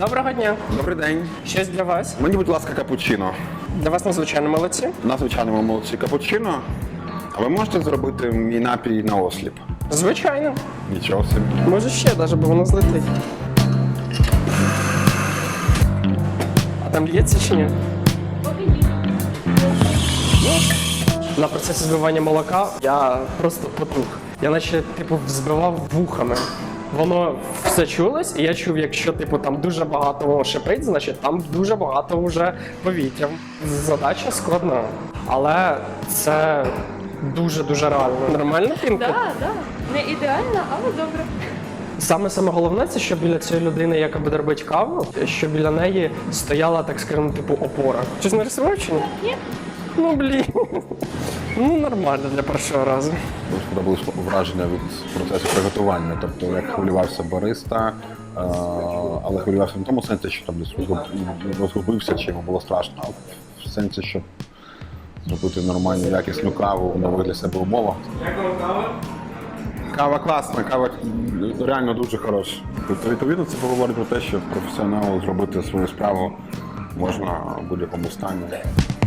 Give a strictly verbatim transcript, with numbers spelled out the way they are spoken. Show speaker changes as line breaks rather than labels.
Доброго дня.
Добрий день.
Щось для вас?
Мені, будь ласка, капучино.
Для вас надзвичайно молодці.
На звичайному молодці капучино. А ви можете зробити мій напій на осліп?
Звичайно.
Нічого собі.
Може ще, навіть, бо воно злетить. А там лється чи ні? На процесі збивання молока я просто потух. Я наче, типу, взбивав вухами. Воно все чулось, і я чув, якщо типу там дуже багато шипить, значить там дуже багато вже повітря. Задача складна, але це дуже-дуже реально. Нормальна пінка?
Так, так. Не ідеально, але добре.
Саме саме головне, це що біля цієї людини, яка буде робити каву, що біля неї стояла, так скажемо, типу опора. Щось нарисував чи ні?
Ні.
Ну блін. Ну нормально для першого разу.
Дуже сподобалось враження від процесу приготування. Тобто, як хвилювався бариста, е, але хвилювався не в тому сенсі, що там десь розгуб- розгубився, чи йому було страшно, а в сенсі, щоб зробити нормальну, якісну каву в нових для себе умовах. Кава класна, кава реально дуже хороша. Тобто, відповідно, це говорить про те, що професіоналу зробити свою справу можна в будь-якому стані.